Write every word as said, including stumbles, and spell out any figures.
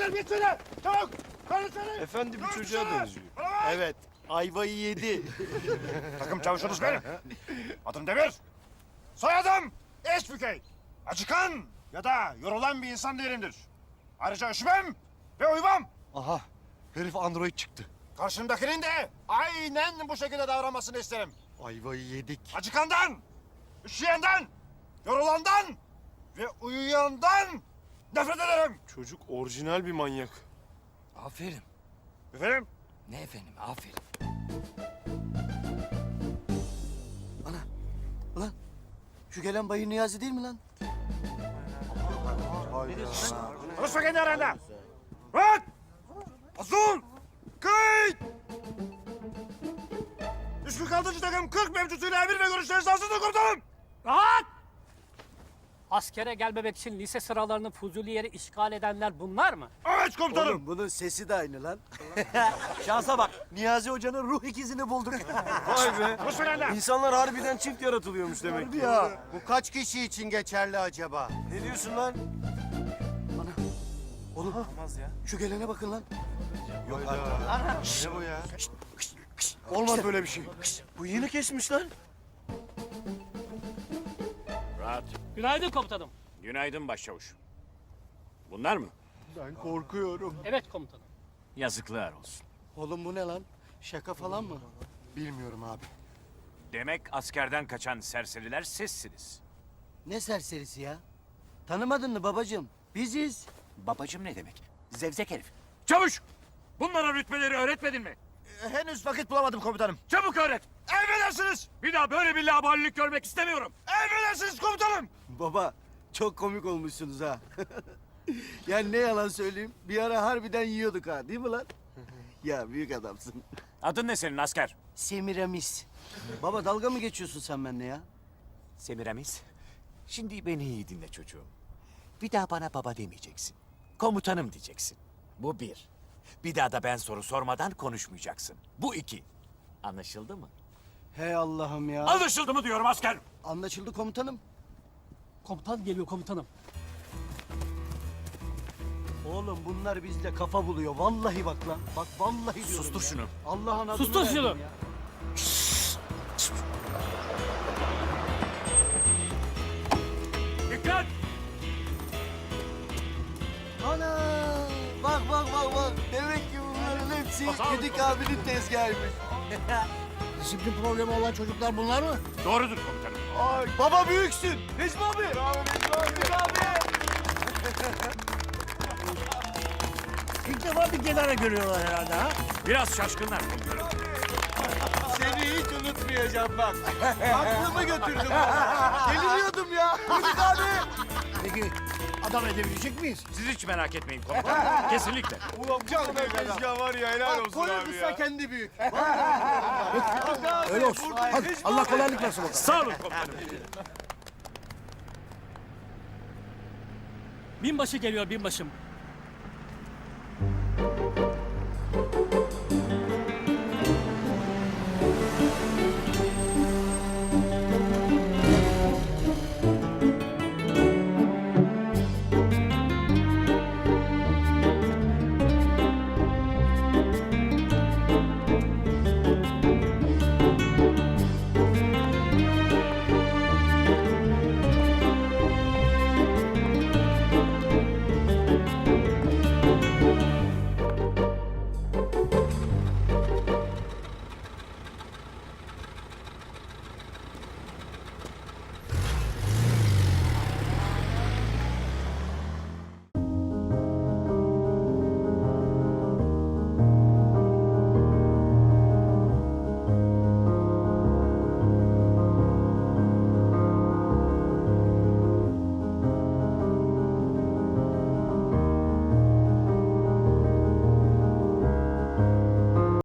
Konuşalım git söyle. Çabuk. Konuşalım. Efendi bir çocuğa benziyor. Evet, ayvayı yedi. Takım çavuşunuz benim. Adım Demir. Soyadım Eşbükey. Acıkan ya da yorulan bir insan değilimdir. Ayrıca üşümem ve uyumam. Aha, herif android çıktı. Karşımdakinin de aynen bu şekilde davranmasını isterim. Ayvayı yedik. Acıkandan, üşüyenden, yorulandan ve uyuyandan nefret ederim. Çocuk orijinal bir manyak. Aferin. Efendim? Ne efendim, aferin. Lan, şu gelen Bayı Niyazi değil mi lan? Konuşma kendi aranda. Rahat! Azul! Kayıt! üç yüz altıncı takım kırk mevcutuyla emir ve görüşleriniz hazırdır komutanım. Rahat! Askere gelmemek için lise sıralarını Fuzuli yeri işgal edenler bunlar mı? Evet komutanım. Oğlum bunun sesi de aynı lan. Şansa bak, Niyazi Hoca'nın ruh ikizini bulduk. Vay be. Konuşma kendi. İnsanlar harbiden çift yaratılıyormuş demek ki. Ya, bu kaç kişi için geçerli acaba? Ne diyorsun lan? Oğlum, şu gelene bakın lan. Yok artık. Ne bu ya? Olmaz böyle bir şey. Bu yeni kesmiş lan. Rahat. Günaydın komutanım. Günaydın başçavuş. Bunlar mı? Ben korkuyorum. Evet komutanım. Yazıklar olsun. Oğlum bu ne lan? Şaka falan mı? Bilmiyorum abi. Demek askerden kaçan serseriler sizsiniz. Ne serserisi ya? Tanımadın mı babacığım? Biziz. Babacım ne demek? Zevzek herif. Çavuş! Bunlara rütbeleri öğretmedin mi? Henüz vakit bulamadım komutanım. Çabuk öğret! Emredersiniz. Bir daha böyle bir laubalilik görmek istemiyorum. Emredersiniz komutanım. Baba, çok komik olmuşsunuz ha. Yani ne yalan söyleyeyim, bir ara harbiden yiyorduk ha, değil mi lan? Ya büyük adamsın. Adın ne senin asker? Semiramis. Baba dalga mı geçiyorsun sen benimle ya? Semiramis. Şimdi beni iyi dinle çocuğum. Bir daha bana baba demeyeceksin. Komutanım diyeceksin. Bu bir. Bir daha da ben soru sormadan konuşmayacaksın. Bu iki. Anlaşıldı mı? Hey Allah'ım ya. Anlaşıldı mı diyorum asker? Anlaşıldı komutanım. Komutan geliyor komutanım. Oğlum bunlar bizde kafa buluyor. Vallahi bak lan. Bak vallahi diyorum Sustur ya. şunu. Allah'ın adını Sustur verdim şunu. ya. Dikkat! Ana! Bak bak bak bak. Demek ki bunların hepsi Gedik abinin tezgahıymış. Disiplin problemi olan çocuklar bunlar mı? Doğrudur komutanım. Ay, baba büyüksün. Necmi abi. Bravo Necmi abi. Necmi abi. İlk defa bir kenara görüyorlar herhalde ha? Biraz şaşkınlar komutanım. Seni hiç unutmayacağım bak. Aklımı götürdüm. Deliriyordum ya. Gedik abi. Peki adam edebilecek miyiz? Siz hiç merak etmeyin komutanım. Kesinlikle. Ulan bu kadar tezgah var ya helal olsun abi Koyun ya. kendi büyük. Öyle olsun. Hadi Allah kolaylık versin bakalım. Sağ olun komutanım. Binbaşı geliyor binbaşım.